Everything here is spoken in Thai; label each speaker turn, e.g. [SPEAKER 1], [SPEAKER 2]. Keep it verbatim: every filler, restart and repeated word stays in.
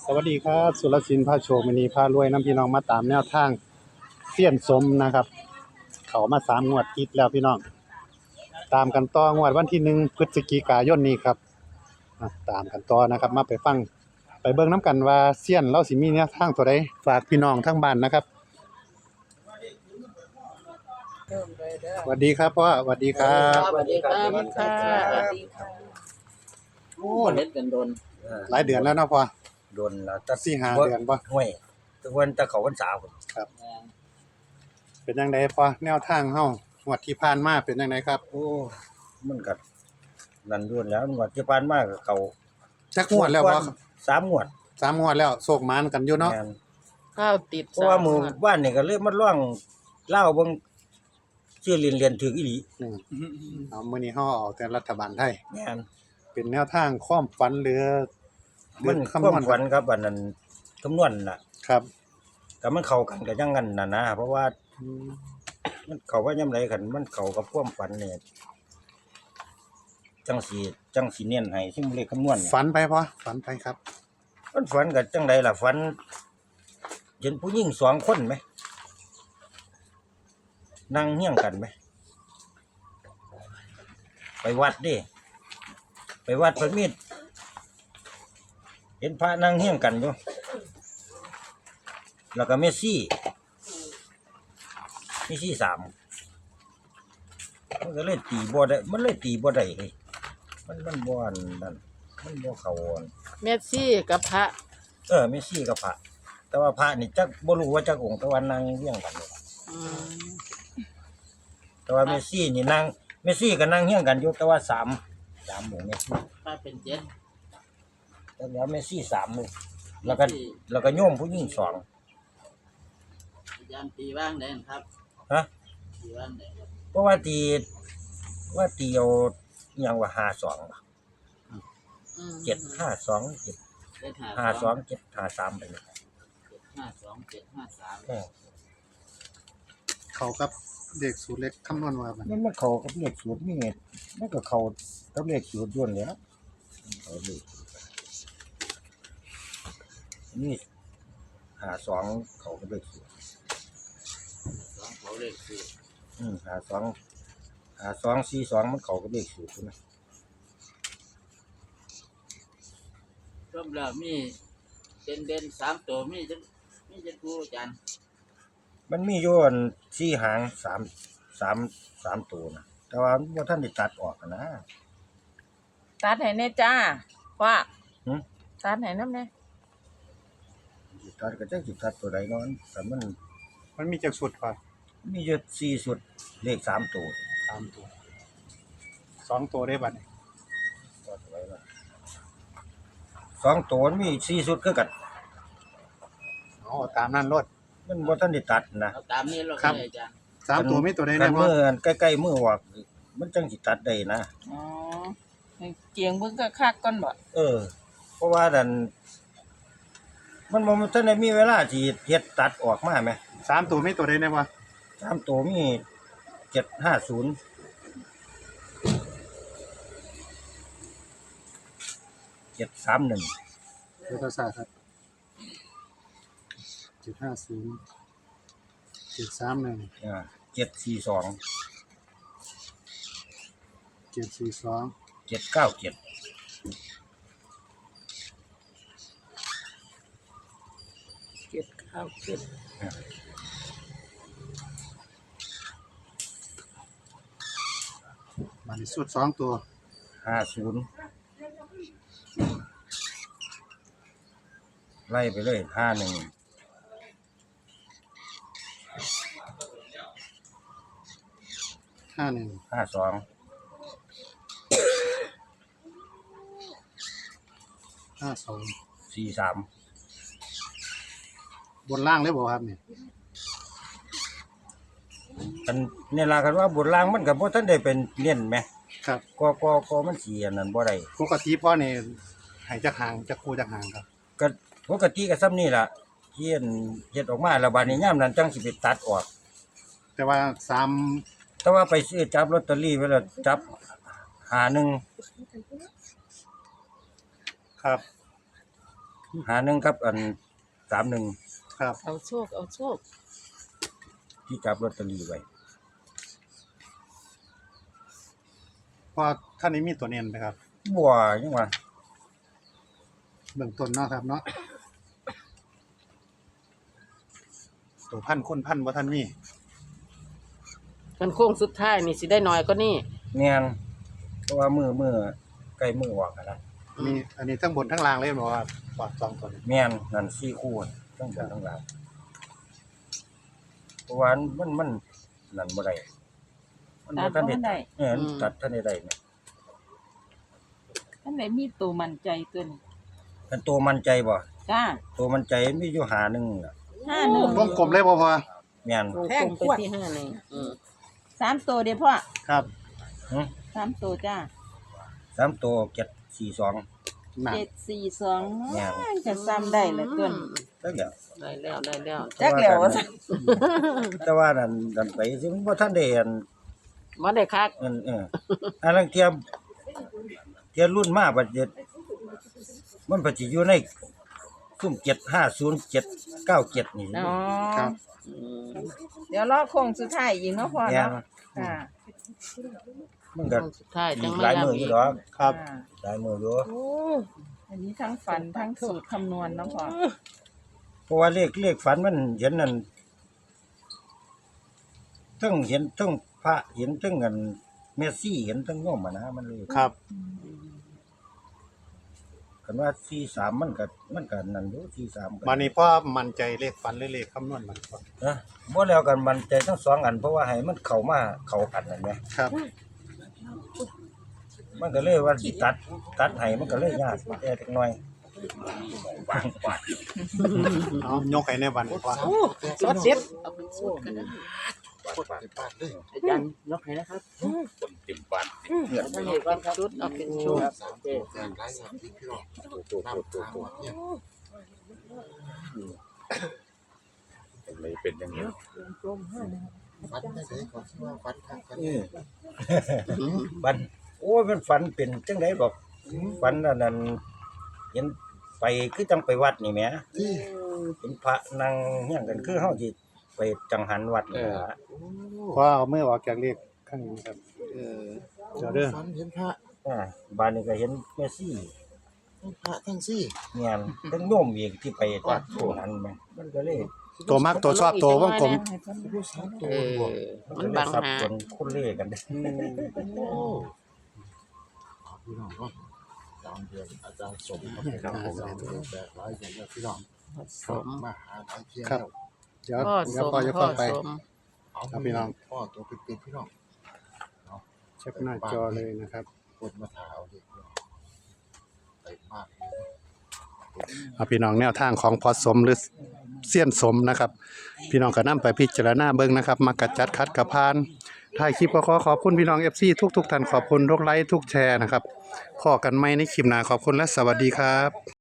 [SPEAKER 1] สวัสดีครับสุรศิลป์พาโชคมณีพารวยน้ำพี่น้องมาตามแนวทางเสี้ยนสมนะครับเขามาสามงวดติดแล้วพี่น้องตามกันต่องวดวันที่หนึ่งพฤศจิกายนนี้ครับอ่ะตามกันต่อนะครับมาไปฟังไปเบิ่งน้ำกันว่าเสี้ยนเราสิมีแนวทางตัวใดฝากพี่น้องทั้งบ้านนะครับสวัสดีครับพ่อสวัสดีครับ
[SPEAKER 2] สวัสดีครับ
[SPEAKER 3] สวัสดีค่ะ
[SPEAKER 2] สวัสดีค่ะโอ้เล็ดกันโดน
[SPEAKER 1] หลายเดือนแล้วเนาะพ่อ
[SPEAKER 3] โดนแล้วตัด
[SPEAKER 1] สี่ห้าเดือนบ่
[SPEAKER 3] ห้วยทุกวันตะเขาวันสาว
[SPEAKER 1] ครับเป็นจังไดพ่อแนวทางเฮางวดที่ผ่านมาเป็นจังไดครับ
[SPEAKER 3] โอ้มันกัดนั่นด้วนแล้วงวดที่ผ่านมาก็เขา
[SPEAKER 1] จักงวดแล้วพ่อ
[SPEAKER 3] สามงวด
[SPEAKER 1] สามงวดแล้วโศกหมานกันอยู่เนาะ
[SPEAKER 3] แม่น
[SPEAKER 2] ข้าวติด
[SPEAKER 3] เพราะว่าหมู่บ้านนี่ก็เลยมาล่องเล่าเบิ่งชื่อเรียนเรียนถึงอีหลี
[SPEAKER 1] อืมเอามื้อนี้เฮาเอาแต่รัฐบาลไทย
[SPEAKER 3] แม่น
[SPEAKER 1] เป็นแนวทางความฝันหรือ
[SPEAKER 3] มัน
[SPEAKER 1] หรือ
[SPEAKER 3] ความ
[SPEAKER 1] คำนวณ
[SPEAKER 3] ฝันครับอันนั้นคำนวณน่ะ
[SPEAKER 1] ครับ
[SPEAKER 3] ก็มันเข้ากันกับจังงั้นน่ะนะเพราะว่ามันเข้าว่ายามใดกันมันเข้ากับความฝันเนี่ยจังสีจังสีเน้นให้ซึ่งเลขคำนวณเนี่ย
[SPEAKER 1] ฝันไปพ่อฝันไปครับ
[SPEAKER 3] มันฝันกับจังใดล่ะฝันเห็นผู้หญิงสองคนไหมนั่งเฮี้ยงกันไหมไปวัดดิไปวัดพระมีดเห็นพระนั่งเฮี้ยงกันอยู่แล้วก็เมสซี่เมสซี่สามมันก็เลยตีบ่ได้มันเลยตีบ่ได้เฮ้ยมันมันบ่อันนั่นมันบ่เข้าอัน
[SPEAKER 2] เมสซี่กับพระ
[SPEAKER 3] เออเมสซี่กับพระแต่ว่าพระนี่จักบ่รู้ว่าจักองค์แต่ว่านั่งเรียงกันอยู่
[SPEAKER 2] อืม
[SPEAKER 3] แต่ว่าเมสซี่นี่นั่งเมสซี่ก็นั่งเฮี้ยงกันอยู่แต่ว่าสามสามองค์เมสซี่
[SPEAKER 2] พระเป็นเจ็ด
[SPEAKER 3] แต่แล้วเมสซี่สามเลยแล้วก็แล้วก็โยมผู้หญิงสอง
[SPEAKER 2] อาจารย์ตีว่างได้ครับ
[SPEAKER 3] ฮะ
[SPEAKER 2] ตีว่างได้ครับ
[SPEAKER 3] เพราะว่าตีว่าตีเอาอหยังว่าห้าสอง
[SPEAKER 2] อืม
[SPEAKER 3] เจ็ดห้าสองเจ็ด
[SPEAKER 2] เจ็ด
[SPEAKER 3] ห้าสองเจ็ดห้าสามไปเลย
[SPEAKER 2] เจ็ดห้าสองเจ็ดห้าสาม
[SPEAKER 3] เออ
[SPEAKER 1] เขากับเด็กสูตรเล็กคำนวณว่าบัด
[SPEAKER 3] มันมันเข้ากับเลขสูตรนี่ไงมันก็เข้ากับเลขสูตรด้วนเลยนะเอาเลขนี่หาสองเขากับเลขสูตร
[SPEAKER 2] สองเขาเลขสี่
[SPEAKER 3] อืมหาสองหาสองสี่สองมันเขากับเลขสูตรใช่ไหม
[SPEAKER 2] รวมแล้วมีเด่นเด่นสามตัวมีจะมีจะกูอาจารย์
[SPEAKER 3] มันมีโยนสี่หางสามสามสามตัวนะแต่ว่าว่าท่านได้ตัดออกอะนะ
[SPEAKER 4] ตัดให้แน่จ้าว่า
[SPEAKER 3] หึ
[SPEAKER 4] ตัดให้น้ำแน่
[SPEAKER 3] สิตัดก็จะสิตัดตัวใดเนอนแต่มัน
[SPEAKER 1] มันมีจักสุดพ่อ
[SPEAKER 3] มีอยู่สี่สุดเลขสามตัว
[SPEAKER 1] สามตัวสองตัวได้บัดนี้
[SPEAKER 3] ตัดไว้ว่าสองตัวมันมีสี่สุดคือกัน
[SPEAKER 1] อ๋อตามนั้นรถ
[SPEAKER 3] มันบ่ท่านได้ตัดนะ
[SPEAKER 2] เอาตามนี้เรา
[SPEAKER 1] ครับ
[SPEAKER 2] เลยอาจารย์
[SPEAKER 1] สามตัวมีตัวใด
[SPEAKER 3] คั
[SPEAKER 1] แน่
[SPEAKER 3] น
[SPEAKER 1] พ่อ
[SPEAKER 3] มืออันใกล้ๆมือออกมันจังสิตัดได้นะ
[SPEAKER 4] อ๋อให้เกียงเบิ่งก็คักก่อนบ่
[SPEAKER 3] เออ เพราะว่าดันมันบ่ทันได้มีเวลาสิเฮ็ดตัดออกมาแหม
[SPEAKER 1] สามตัวมีตัวใดแน่พ่อ
[SPEAKER 3] สามตัวมีเจ็ดห้าศูนย์เจ็ดสามหนึ่ง
[SPEAKER 1] เดี๋ยวทศาสตร์ครับเจ็ดห้าศูนย์เจ็ดสามหนึ่ง
[SPEAKER 3] อ่าเจ็ดสี่สอง
[SPEAKER 1] เจ็ดสี่สอง
[SPEAKER 3] เจ็ดเก้าเจ็ด
[SPEAKER 4] เจ็ดข้าวเจ็ด
[SPEAKER 1] บัดนี้สุดสองตัว
[SPEAKER 3] ห้าศูนย์ไล่ไปเลยห้าหนึ่ง
[SPEAKER 1] ห้าหนึ่ง
[SPEAKER 3] ห้าสอง
[SPEAKER 1] ห้าสอง
[SPEAKER 3] สี่สาม
[SPEAKER 1] บนล่างเลยบ่ครับนี่
[SPEAKER 3] กันเนี่ยลากันว่าบทล่างมันกับพวกท่านได้เป็นเน้นไหม
[SPEAKER 1] ครับ
[SPEAKER 3] ก็ก็ก็มันเสียนั่นบ่ได้
[SPEAKER 1] ปกติพ่อนี่ให้จักหางจักคู่จักหางครับ
[SPEAKER 3] ก็ปกติก็ซ้ำนี่ล่ะเฮียนเฮ็ดออกมาแล้วบาดนี้ยามนั้นจังสิไปตัดออก
[SPEAKER 1] แต่ว่าสาม
[SPEAKER 3] แต่ว่าไปซื้อจับลอตเตอรี่ไว้แล้วจับหาหนึ่ง
[SPEAKER 1] ครับ
[SPEAKER 3] หาหนึ่งครับอันสามหนึ่ง
[SPEAKER 1] ครับ
[SPEAKER 4] เอาโชคเอาโชค
[SPEAKER 3] ที่จับลอตเตอรี่ไว้
[SPEAKER 1] เพราะท่านนี้มีตัวเน้นไหมครับ
[SPEAKER 3] บัวยังว่า
[SPEAKER 1] เบื้องต้นเนาะครับเนาะตัวพันคนพันบ่ท่านมี
[SPEAKER 4] กันโค้งสุดท้ายนี่สิได้น้อยก็นี่
[SPEAKER 3] เนียนเพราะว่ามือมือใกล้มือออกอะนะ
[SPEAKER 1] มีอันนี้ทั้งบนทั้งล่างเลยบ่ว่าปอดสองตัวนี้
[SPEAKER 3] เมียนนั่นสี่คู่ทั้งบนทั้งล่างเพราะว่ามันมันนั่นบ่ได้มันบ่ทันได้เออมันตัดทันได้ได้เนี่ย
[SPEAKER 4] ท่านไหนมีตัวมั่นใจตัวนี้
[SPEAKER 3] อันตัวมั่นใจบ่
[SPEAKER 4] จ้า
[SPEAKER 3] ตัวมั่นใจมีอยู่หาหนึ่งน่ะ
[SPEAKER 4] ห้าหนึ่ง
[SPEAKER 1] วงกลมเลยบ่พอ
[SPEAKER 3] เมียน
[SPEAKER 4] วงกลมไปที่ห้าหนึ่งอืมสามตัวเดี๋ยวพ่อ
[SPEAKER 1] ครับ
[SPEAKER 3] หึ
[SPEAKER 4] สามตัวจ้า
[SPEAKER 3] สามตัวเจ็ดสี่สอง
[SPEAKER 1] น่ะ
[SPEAKER 4] เจ็ดสี่สอง
[SPEAKER 3] แม่น
[SPEAKER 4] จะซ้ำได้ละตัวนี้
[SPEAKER 3] แล้วเดี๋ยว
[SPEAKER 4] ได้แล้วได้แล้ว
[SPEAKER 3] จักแล้วแต่ว่านั่นนั่นไปสิมันบ่ทันได้อัน
[SPEAKER 4] บ่ได้คัก
[SPEAKER 3] เออเอออันลังเทียมเทียรุ่นมาบัดเจ็ดมันปัจจุอยู่ในซุ่มเจ็ดห้าศูนย์เจ็ดเก้าเจ็ดนี่
[SPEAKER 4] อ๋อ
[SPEAKER 1] ครับ
[SPEAKER 4] อืมเดี๋ยวรอโค้งสุดท้ายอีกเนาะพ่อ
[SPEAKER 3] แม่น
[SPEAKER 4] เนาะค่ะ
[SPEAKER 3] มันก็
[SPEAKER 4] โค้งสุดท้าย
[SPEAKER 3] อี
[SPEAKER 4] จัง
[SPEAKER 3] ก
[SPEAKER 4] ไม่
[SPEAKER 3] หลายมื
[SPEAKER 4] ย้ำ
[SPEAKER 3] ออ
[SPEAKER 4] อี
[SPEAKER 3] ยู่
[SPEAKER 4] ก
[SPEAKER 3] ดอก
[SPEAKER 1] ครับ
[SPEAKER 4] อ่า
[SPEAKER 3] หลายมืออยู่
[SPEAKER 4] โอ้อันนี้ทั้งฝันทั้งสูตรคำนวณเนาะพ่อ
[SPEAKER 3] เพราะว่าเลขเลขฝันมันเห็นนั่นทั้งเห็นทั้งพระเห็นทั้งเงินเมสซี่เห็นทั้งโยมอะนะมันเลย
[SPEAKER 1] ครับ
[SPEAKER 3] กันว่าสี่สามมันก็มันก็นั่นอยู่สี่สามก็
[SPEAKER 1] มานี่พ่อมั่นใจเลขฟันหรือเลขคำนวณมันก่อน
[SPEAKER 3] นะบ่แล้วกันมันใจทั้งสองอันเพราะว่าให้มันเข้ามาเข้ากันนั่นแหละ
[SPEAKER 1] ครับ
[SPEAKER 3] มันก็เลยว่าสิตัด ตัดให้มันก็เลยยากแต่จักหน่อย
[SPEAKER 1] เอายกให้ในวันว่า
[SPEAKER 4] รถเจ็บ
[SPEAKER 2] อาจารย์ยกให้นะครับคนเต็มบ้านท่านเห็นว่าชุดเอาเป็นชุดโอเค
[SPEAKER 5] เลยเป็นอย่างนี้
[SPEAKER 6] ฟันได้เลยก่อนที่ว่าฟันครับฟัน
[SPEAKER 3] เออบันโอ้ยมันฝันเป็นจังได๋บอกฝันอันนั้นเห็นไปคือจังไปวัดนี่แหม
[SPEAKER 6] ที่
[SPEAKER 3] เป็นพระนั่งเฮียงกันคือเฮาสิไปจังหันวัดนี่ล่ะ
[SPEAKER 1] พ่อเอามือออกจากเลขข้างนี้ครับ
[SPEAKER 6] เออ
[SPEAKER 1] เดี๋ยวเด้อ
[SPEAKER 6] ฟันเห็นพระ
[SPEAKER 3] อ่าบ้านนี้ก็เห็นแม่ซี่
[SPEAKER 6] ทั้งพระทั้งซี่
[SPEAKER 3] เงียนทั้งโยมอีกที่ไปวัดโูหันแม่มันก็เลย
[SPEAKER 1] ตัวมักตัวชอบตัววงกลม
[SPEAKER 6] รู้สามตัว
[SPEAKER 4] เออบ
[SPEAKER 6] วก
[SPEAKER 4] มันบัง
[SPEAKER 3] สับ
[SPEAKER 4] หา
[SPEAKER 3] สนคนเล่กันเด้
[SPEAKER 6] โอ้ขอบพี่น้องเนาะตามเดือนอาจารย์สมครับผมอาจารย์แบกหลายอย่างเนี่ยพี่น้อง
[SPEAKER 4] สม
[SPEAKER 6] มาหาหลายเที่ยง
[SPEAKER 1] ครับ
[SPEAKER 6] แล้ว
[SPEAKER 1] เดี๋ยว
[SPEAKER 4] พ่อ
[SPEAKER 1] เดี๋ยว
[SPEAKER 4] ส
[SPEAKER 1] พ่อ
[SPEAKER 4] ม
[SPEAKER 1] จะ
[SPEAKER 4] พ่อ
[SPEAKER 1] เข้าไป
[SPEAKER 4] สม
[SPEAKER 6] เอา
[SPEAKER 1] ครับพี่น้อง
[SPEAKER 6] พ่อตัวเป็นๆพี่น้อง
[SPEAKER 1] เช็คหน้าจอเลยนะครับ
[SPEAKER 6] คนมาถาเอาเด็กพี่น้องไปมากเลย
[SPEAKER 1] เอาพี่น้องแนวทางของพอสมหรือเสี้ยนสมนะครับ พี่น้องก็นำไปพิจารณาเบิ่งนะครับมากระจัดคัดกระพานถ่ายคลิปก็ขอขอบคุณพี่น้อง เอฟ ซี ทุกๆท่านขอบคุณทุกไลค์ทุกแชร์นะครับพอกันใหม่ในคลิปหน้าขอบคุณและสวัสดีครับ